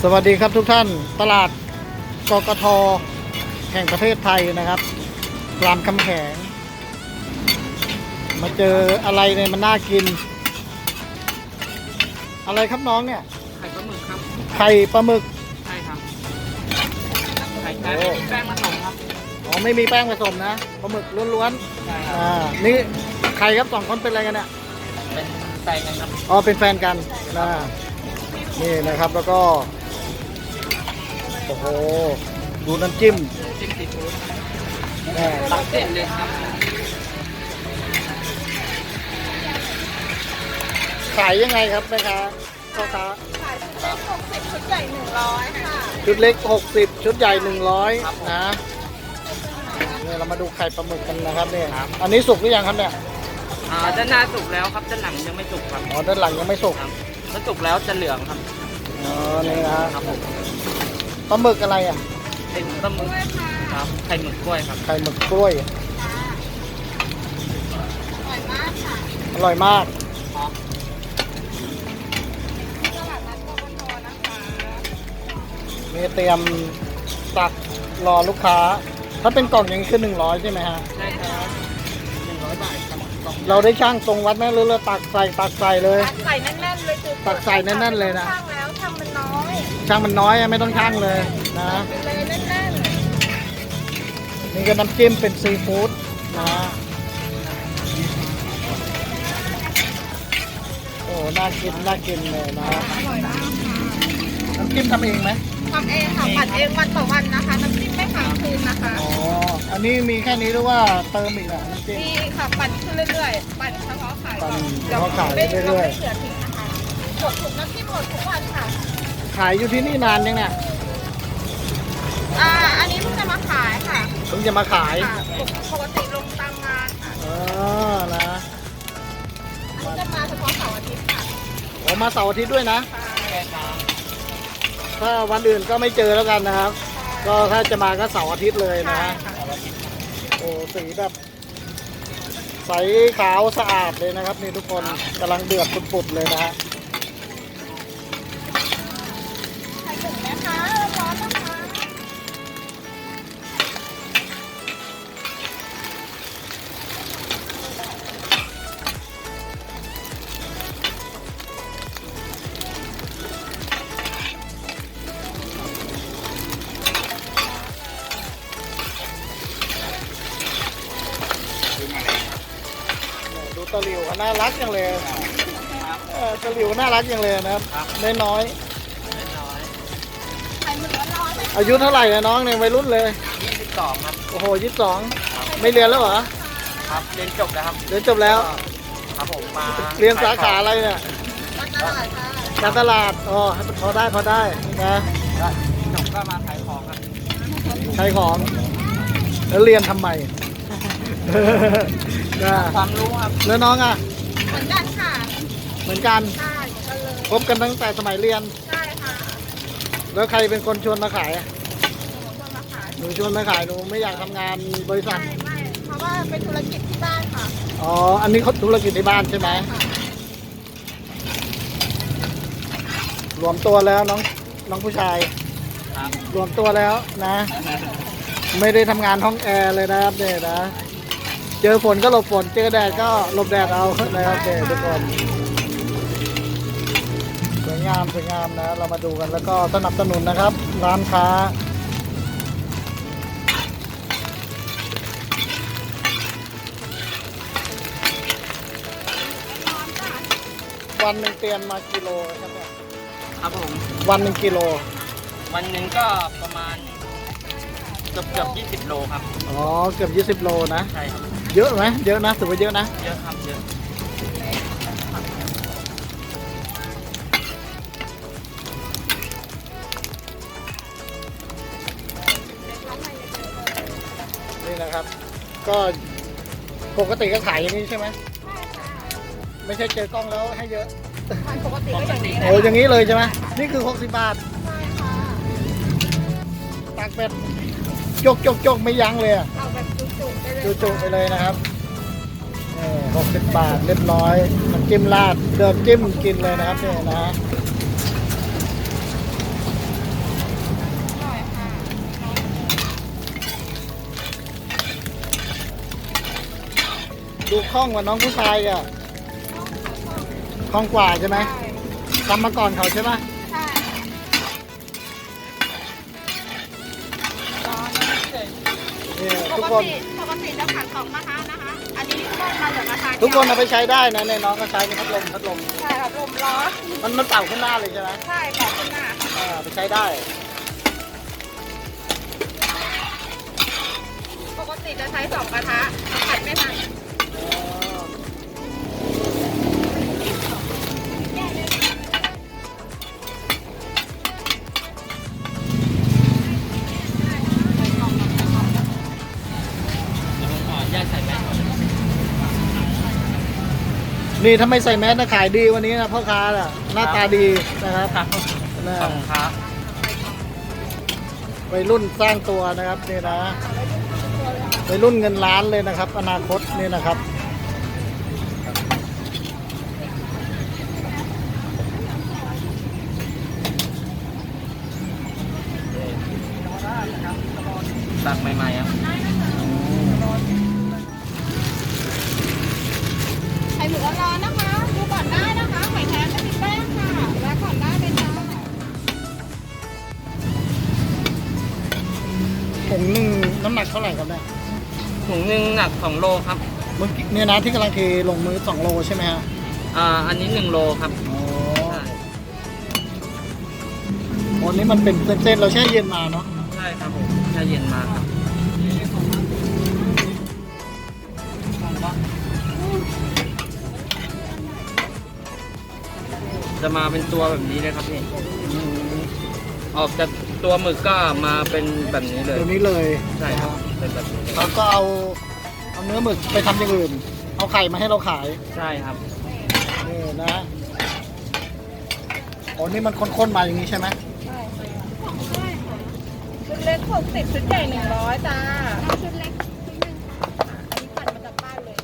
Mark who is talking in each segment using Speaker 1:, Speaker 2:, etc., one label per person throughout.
Speaker 1: วัสดีครับทุกท่านตลาดกกท.แห่งประเทศไทยนะครับรามคำแหงมาเจออะไรเนี่ยมันน่ากินอะไรครับน้องเนี่ย
Speaker 2: ไข่ปลาหมึกครับ
Speaker 1: ไข่ปลาหมึก
Speaker 2: ใช่ครับไข่แท้ไม่มีแป้งผสมครับ
Speaker 1: อ๋อไม่มีแป้งผสมนะปลาหมึกล้วน
Speaker 2: ใช่ค
Speaker 1: ๆ
Speaker 2: รับ
Speaker 1: นี่ใครครับสองคนเป็นอะไรกันเนี่ย
Speaker 2: เป็นแฟนกันครับ
Speaker 1: อ๋อเป็นแฟนกันนะนี่นะครับแล้วก็โอ้โหดูน้ำจิ้ม
Speaker 2: จิ้มซีฟู้ด
Speaker 1: แม่
Speaker 2: ตักเส้นเลยครับ
Speaker 1: ขายยังไงครับแม่ค้าพ่อค้า
Speaker 3: ขายชุดเล็ก60ชุดใหญ่100ค่ะ
Speaker 1: ชุดเล็ก60ชุดใหญ่100นะเนี่ยเรามาดูไข่ปลาหมึกกันนะครับเนี่ยอันนี้สุกหรือยังครับเนี่ย
Speaker 2: ด้านหน้าสุกแล้วครับด้านหลังยังไม่สุกครับ
Speaker 1: อ๋อด้านหลังยังไม่สุก
Speaker 2: ครับถ้าสุกแล้วจะเหลืองครับ
Speaker 1: อ๋อนี่นะครับ
Speaker 2: ผม
Speaker 1: ปลาหมึกอะไรอ่ะ
Speaker 2: เป็นปลาหมึกครับไข่หมึกกล้วยครับ
Speaker 1: ไข่หมึกกล้วย
Speaker 3: อร่อยมากค่ะ
Speaker 1: อร่อยมาก
Speaker 3: ตลาดนัดกกท.นะคะ
Speaker 1: นี่เตรียมตักรอลูกค้าถ้าเป็นกล่องอย่างนี้คือ100ใช่ไหมฮะ
Speaker 2: ใช่ครับ100 บาทครับ
Speaker 1: เราได้ช่างตรงวัดไหมหรือเราตักใส่เลย
Speaker 3: ตักใส่แน่นๆเลยคือ
Speaker 1: ตักใส่แน่นๆเลยนะ
Speaker 3: ช่างแล้วช่างมันน้อย
Speaker 1: ช่างมันน้อยไม่ต้องช่างเลยนะ
Speaker 3: ไปเลยแน่น
Speaker 1: นี่ก็น้ำจิ้มเป็นซีฟู้ดนะโอ้น่ากินเลยนะ
Speaker 3: ๆอร่อยมากค่ะ
Speaker 1: น้ำจิ้มทำเองไหม
Speaker 3: ทำเองค่ะปั่นเองวันต่อวันนะคะน้ำจิ้มไม่ค้างคืนนะคะ
Speaker 1: อ๋ออันนี้มีแค่นี้หรือว่าเติมอีกอ่ะน้ำจิ้ม
Speaker 3: มีค่ะปั่นขึ้นเรื่อยๆปั่นเฉพาะขายก่อน
Speaker 1: เฉพาะขายเรื่อยๆ
Speaker 3: เราไม่เสือทิ้งนะคะหมดถุงน้ำจิ้มหมดทุกวันค่ะ
Speaker 1: ขายอยู่ที่นี่นานยังเนี่ย
Speaker 3: อันนี้เพิ่งจะมาขายค่ะ
Speaker 1: เพิ่งจะมาขาย
Speaker 3: ปกติลงตามงานค่ะ
Speaker 1: นะ
Speaker 3: อันนี้จะมาเฉพาะเสาร์อาทิตย์ค่ะ
Speaker 1: ผมมาเสาร์อาทิตย์ด้วยนะ
Speaker 2: ใช่ครับ
Speaker 1: ถ้าวันอื่นก็ไม่เจอแล้วกันนะครับก็ถ้าจะมาก็เสาร์อาทิตย์เลยนะโอ้สีแบบใสขาวสะอาดเลยนะครับนี่ทุกคนกำลังเดือดปุดๆเลยนะฮะ
Speaker 3: ใส่ถุงนะคะร้อนนะคะ
Speaker 1: ดูตะหลิวน่ารักจังเลยตะหลิวน่ารักจังเลยนะครับน้อย
Speaker 3: ใส่หมึกร้อนๆ
Speaker 1: อายุเท่าไหร่นะน้องเนี่ยวัยรุ่นเลย
Speaker 2: 22ครับ
Speaker 1: โอ้โห22ไม่เรียนแล้วเหรอ
Speaker 2: ครับเรียนจบแล้วครับ
Speaker 1: เรียนจบแล้ว
Speaker 2: ครับผมมา
Speaker 1: เรียนสาขาอะไรเนี่ย
Speaker 3: การตลาดค่ะ
Speaker 1: การตลาดอ๋อพอได้นะ
Speaker 2: จบก็มาขายของครับ
Speaker 1: ขายของแล้วเรียนทำไมนะ
Speaker 2: ความรู้ครับ
Speaker 1: แล้วน้องอ่ะ
Speaker 3: เหมือนกันค่ะ
Speaker 1: เหมือนกัน
Speaker 3: ใช่กันเลย
Speaker 1: พบกันตั้งแต่สมัยเรียน
Speaker 3: ใช่ค่ะ
Speaker 1: แล้วใครเป็นคนชวนมาขายอ่ะ
Speaker 3: คนมาขาย
Speaker 1: หนูชวนมาขายหนูไม่อยากทำงานบริษัท
Speaker 3: ไม่เพราะว่าเป็นธุรกิจที่บ้านค่ะ
Speaker 1: อ๋ออันนี้เขาธุรกิจในบ้านใช่ไหมรวมตัวแล้วน้องผู้ชายรวมตัวแล้วนะ ไม่ได้ทำงานห้องแอร์เลยนะครับเนี่ยนะเจอฝนก็หลบฝนเจอแดดก็หลบแดดเอานะครับเด็กทุกคนสวยงามนะเรามาดูกันแล้วก็สนับสนุนนะครับร้านค้าวันหนึ่งเตรียมมากิโลครับเนี่ย
Speaker 2: ครับผม
Speaker 1: วันหนึ่งกิโล
Speaker 2: วันหนึ่งก็ประมาณเกือบ20 โลครับ
Speaker 1: อ๋อเกือบ20 โลนะ
Speaker 2: ใช่ครับ
Speaker 1: เยอะไหมเยอะนะถือว่าเยอะนะ
Speaker 2: เยอะครับเยอะ
Speaker 1: นี่นะครับก็ปกติก็ขายอย่างนี้ใช่ไหมไม่ใช่เจอกล้องแล้วให้เยอะ
Speaker 3: ปกติก็อย่างนี้
Speaker 1: โอ้อย่างนี้เลยใช่ไหมนี่คือ60 บาท
Speaker 3: ใช่ค่ะ
Speaker 1: ตักแบบจกไม่ยั้งเลยอ่ะ
Speaker 3: เอาแบบจุๆไปเลย
Speaker 1: จุไปเลยนะครับ60 บาทเรียบร้อยน้ำจิ้มราดเดินจิ้มกินเลยนะครับเนี่ยนะดูคล่องกว่าน้องผู้ชายอ่ะคล่องกว่าใช่ไหมทำมาก่อนเขาใช่ไหม
Speaker 3: ใช่ร้อน
Speaker 1: เนี่ย
Speaker 3: ป
Speaker 1: ทุก
Speaker 3: ก
Speaker 1: คน
Speaker 3: ติจะผัด2กระทะนะคะ อันนี้ต้มมาเหลือกระทะ
Speaker 1: ทุกคนเอาไปใช้ได้นะเนี่ยน้องก็ใช้เป็นพัดลม
Speaker 3: ใช่ครับลมร้อน
Speaker 1: มันเป่าขึ้นหน้าเลยใช่ไหม
Speaker 3: ใช่แบบขึ้นหน้าค่ะ
Speaker 1: ไปใช้ได้
Speaker 3: ปกติจะใช้2กระทะผัดไม่ทัน
Speaker 2: ขออนุญาตใส่แมสก่อน
Speaker 1: นี่ถ้าไม่ใส่แมสนะขายดีวันนี้นะพ่อค้าน่ะหน้าตาดีนะครับ
Speaker 2: ครับ
Speaker 1: นะ
Speaker 2: ขอบคุณครับ
Speaker 1: วัยรุ่นสร้างตัวนะครับนี่นะวัยรุ่นเงินล้านเลยนะครับ อนาคตนี่นะครับ
Speaker 2: ตักใหม่ๆครับ
Speaker 3: ไข่หมึกร้อนๆนะคะ ดูก่อนได้นะคะไข่แท้ไม่มีแป้งค่ะแวะก่อนได้เลยจ้า
Speaker 1: ถุงหนึ่งน้ำหนักเท่าไหร่ครับเนี่ย
Speaker 2: ถุงหนึ่งหนัก2 โลครับ
Speaker 1: เมื่อกี้เนี่ยนะที่กำลังเทลงมือ2 โลใช่ไหมฮะ
Speaker 2: อันนี้1 โลครับ
Speaker 1: โอ้วันนี้มันเป็นเส้นๆเราแช่เย็นมาเนาะ
Speaker 2: ใช่ครับผมแช่เย็นมาครับ จะมาเป็นตัวแบบนี้เลยครับพี่ ออกจากตัวหมึกก็มาเป็นแบบนี้เลย
Speaker 1: เดี๋ยวนี้เลย
Speaker 2: ใช่ครับ เป็นแบบนี้เลย
Speaker 1: เราก็เอาเนื้อหมึกไปทำอย่างอื่น เอาไข่มาให้เราขาย
Speaker 2: ใช่ครับ
Speaker 1: นี่นะโอ้นี่มันข้นๆมาอย่างนี้ใช่ไหม
Speaker 3: ใช่ค่ะชุดเล็ก60ชุดใหญ่100จ้าชุดเล็กชุดหนึ่งค่ะอันนี้ผัดมาจากบ้านเลย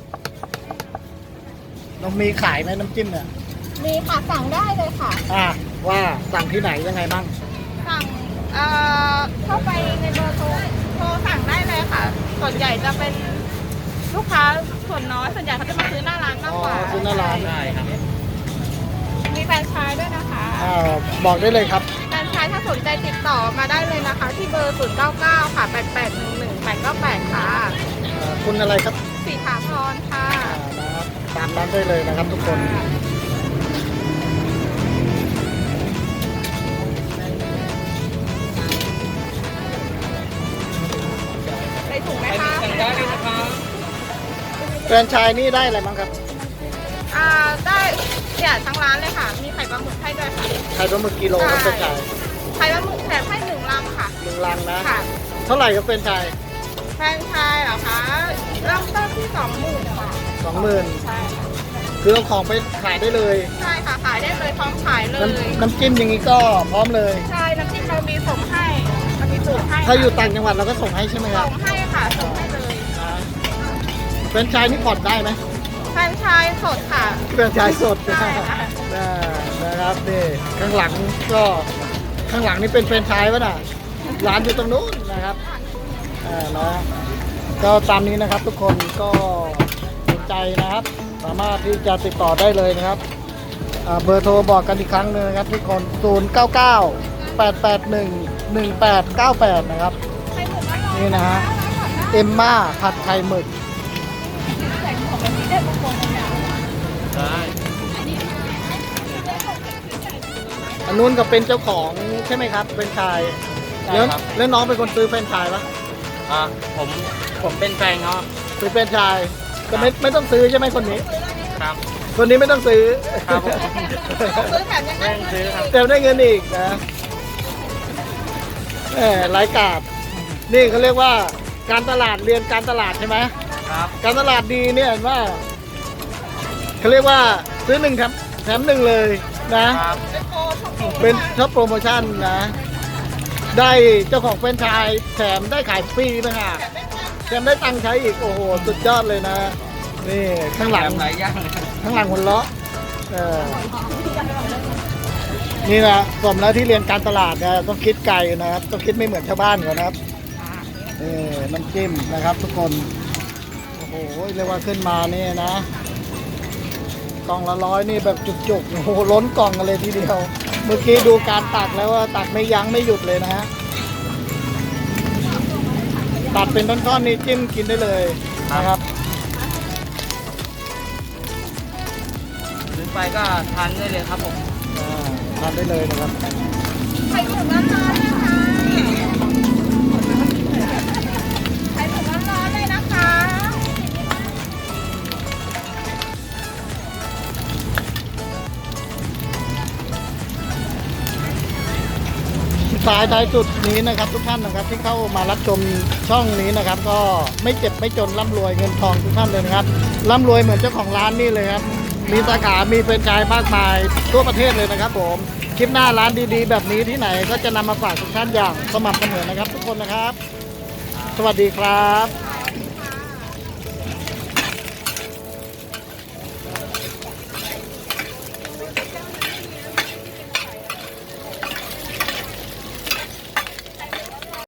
Speaker 1: เรามีขายไหมน้ำจิ้มเนี่ย
Speaker 3: มีค่ะสั่งได้เลยค่ะ
Speaker 1: ว่าสั่งที่ไหนยังไงบ้าง
Speaker 3: สั่งเข้าไปในเบอร์โทรสั่งได้เลยค่ะ ส่วนใหญ่จะเป็นลูกค้าส่วนน้อยส่วนใหญ่เขาจะมาซื้อหน้าร้านมากกว่า
Speaker 1: ซื้อหน้าร้าน
Speaker 2: ได้ครับ
Speaker 3: มีแฟรนไชส์ด้วยนะคะ
Speaker 1: บอกได้เลยครับ
Speaker 3: แฟรนไชส์ถ้าสนใจติดต่อมาได้เลยนะคะ ที่เบอร์ 099 ค่ะ 8811898 ค่ะ
Speaker 1: คุณอะไรครับ
Speaker 3: สีถาพรค่ะ
Speaker 1: นะครับตามนั้นได้เลยนะครับทุกคน
Speaker 3: ใส่ถุงไหม
Speaker 2: ไป
Speaker 3: คะ
Speaker 2: สั่งได้เลยนะครับ
Speaker 1: แฟรนไชส์นี่ได้อะไรบ้างครับ
Speaker 3: ได้เนี่ยทั้งร้านเลยค่ะ มีไข่ปลาหมึกให้ด้วยค่ะ
Speaker 1: ไข่ปลาหมึกกิโลครับแฟรนไชส์
Speaker 3: ไข่ปลาหมึกแถมให้1 ลังค่ะ
Speaker 1: 1 ลังนะ
Speaker 3: ค่ะ
Speaker 1: เท่าไหร่ครับแฟรนไชส์
Speaker 3: แฟรนไชส์เหรอคะเริ่มต้นที่ 20,000ค่ะ
Speaker 1: 20,000
Speaker 3: ใช่ค่ะ
Speaker 1: คือเอาของไปขายได้เลย
Speaker 3: ใช่ค่ะขายได้เลยพร้อมขายเลย
Speaker 1: น้ำจิ้มอย่างนี้ก็พร้อมเลย
Speaker 3: ใช่น้ำจิ้มเรามีส่งให้เรามีสูตรให้
Speaker 1: ถ้าอยู่ต่างจังหวัดเราก็ส่งให้ใช่ไหมครั
Speaker 3: ส่
Speaker 1: บ
Speaker 3: งให้ค่ะส่งให้เลย
Speaker 1: แฟรนไชส์นี่ผ่อนได้ไหม
Speaker 3: แฟรนไชส์สดค่ะ
Speaker 1: แฟรนไชส์สด
Speaker 3: ใช่ค่ะ
Speaker 1: นะครับนี่ข้างหลังก็ข้างหลังนี่เป็นแฟรนไชส์ป่ะน่ะร้านอยู่ตรงนู้นนะครับนะก็ตามนี้นะครับทุกคนก็สนใจนะครับ สามารถที่จะติดต่อได้เลยนะครับเบอร์โทรบอกกันอีกครั้งหนึงนะครับทุกคน 099-881-1898 นะครับ
Speaker 3: ไข่หมึกอร่อย
Speaker 1: นี่นะฮะ เอมม่าผัดไข่หมึก
Speaker 3: ใส่หมวกแบบนี้ได้บางคนเนี่ย
Speaker 2: ได้
Speaker 1: อันนู้นก็เป็นเจ้าของใช่ไหมครับเป็นชายแล้วน้องเป็นคนซื้อเป็นชายปะ
Speaker 2: ผมเป็นแฟนเขา
Speaker 1: ซื้อเป็นชายก็ไม่ต้องซื้อใช่ไหมคนนี้
Speaker 2: ครับ
Speaker 1: คนนี้ไม่ต้องซื้อ
Speaker 2: ครับผม
Speaker 3: ซื้อแถมยังได้
Speaker 2: ซื้อครับ
Speaker 1: เต็มได้เงินอีกนะรายกาดนี่เขาเรียกว่าการตลาดเรียนการตลาดใช่ไหม
Speaker 2: ครับ
Speaker 1: การตลาดดีเนี่ยเห็นว่าเขาเรียกว่าซื้อ1แถม1เลยนะครับ เป็นช็อปโปรโมชั่นนะ ได้เจ้าของเป็นไชายแถมได้ขายฟรีไหมฮะแถมได้ตังค์ใช้อีกโอ้โหสุดยอดเลยนะนี่ข้างหลัง
Speaker 2: หลายอย่าง
Speaker 1: ข้างหลังหุ่นเลาะนี่นะสมแล้วที่เรียนการตลาดนะต้องคิดไกลนะครับต้องคิดไม่เหมือนชาวบ้านเขานะครับนี่น้ำจิ้มนะครับทุกคนโอ้โหโอ้โหเรียกว่าขึ้นมานี่นะ กล่องละ100นี่แบบจุกๆโอ้โหล้นกล่องกันเลยทีเดียว เมื่อกี้ดูการตักแล้วว่าตักไม่ยั้งไม่หยุดเลยนะฮะตัดเป็นท่อนๆนี่จิ้มกินได้เลยนะครับ
Speaker 2: หรือไปก็ทานได้เลยครับผม
Speaker 1: ทานได้เลยนะครับ
Speaker 3: ไข่ถุงร้อนๆเลยค่ะไข่ถุงร้อนๆเลยนะคะ
Speaker 1: สายท้ายสุดนี้นะครับทุกท่านนะครับที่เข้ามารับชมช่องนี้นะครับ ก็ไม่เจ็บไม่จนร่ำรวยเงินทองทุกท่านเลยนะครับร่ำรวยเหมือนเจ้าของร้านนี่เลยครับมีสาขามีแฟรนไชส์มากมายทั่วประเทศเลยนะครับผมคลิปหน้าร้านดีๆ แบบนี้ที่ไหนก็จะนำมาฝากทุกท่านอย่างสม่ำเสมอนะครับ ทุกคนนะครับ สวัสดีครับ